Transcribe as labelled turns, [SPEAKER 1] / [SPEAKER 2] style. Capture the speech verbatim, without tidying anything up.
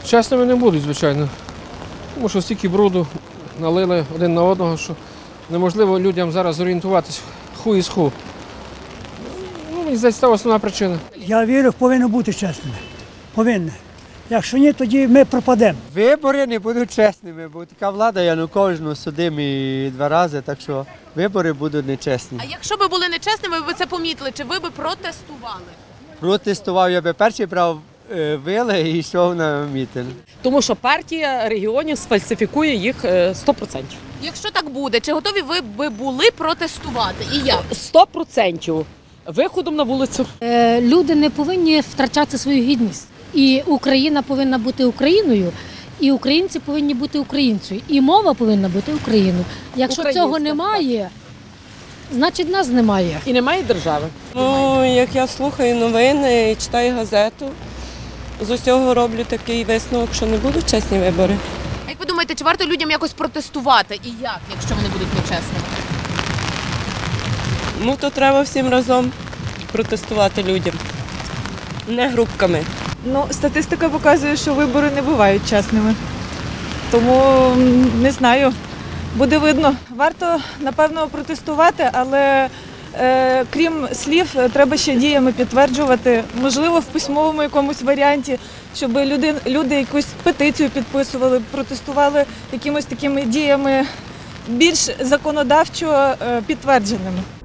[SPEAKER 1] Чесними не будуть, звичайно. Тому що стільки бруду налили один на одного, що неможливо людям зараз зорієнтуватись ху із ху. Ну, мені здається, це основна причина.
[SPEAKER 2] Я вірю, повинно бути чесними. Повинні. Якщо ні, тоді ми пропадемо.
[SPEAKER 3] Вибори не будуть чесними, бо така влада Януковича судимі два рази, так що вибори будуть нечесні.
[SPEAKER 4] А якщо б були нечесними, ви б це помітили, чи ви б протестували?
[SPEAKER 3] Протестував, я би перший брав е, вили і йшов на мітинг.
[SPEAKER 5] Тому що партія регіонів сфальсифікує їх сто відсотків.
[SPEAKER 4] Якщо так буде, чи готові ви б були протестувати? І як?
[SPEAKER 5] сто відсотків виходом на вулицю.
[SPEAKER 6] Е, Люди не повинні втрачати свою гідність. І Україна повинна бути Україною, і українці повинні бути українцею, і мова повинна бути Україною. Якщо
[SPEAKER 5] Українська,
[SPEAKER 6] цього немає, значить нас немає.
[SPEAKER 5] І немає держави.
[SPEAKER 7] Ну, як я слухаю новини і читаю газету, з усього роблю такий висновок, що не будуть чесні вибори.
[SPEAKER 4] А як ви думаєте, чи варто людям якось протестувати? І як, якщо вони будуть нечесними?
[SPEAKER 7] Ну, то треба всім разом протестувати людям, не групками.
[SPEAKER 8] Ну, статистика показує, що вибори не бувають чесними. Тому м, не знаю, буде видно. Варто, напевно, протестувати, але е, крім слів, треба ще діями підтверджувати. Можливо, в письмовому якомусь варіанті, щоб люди, люди якусь петицію підписували, протестували якимось такими діями більш законодавчо е, підтвердженими.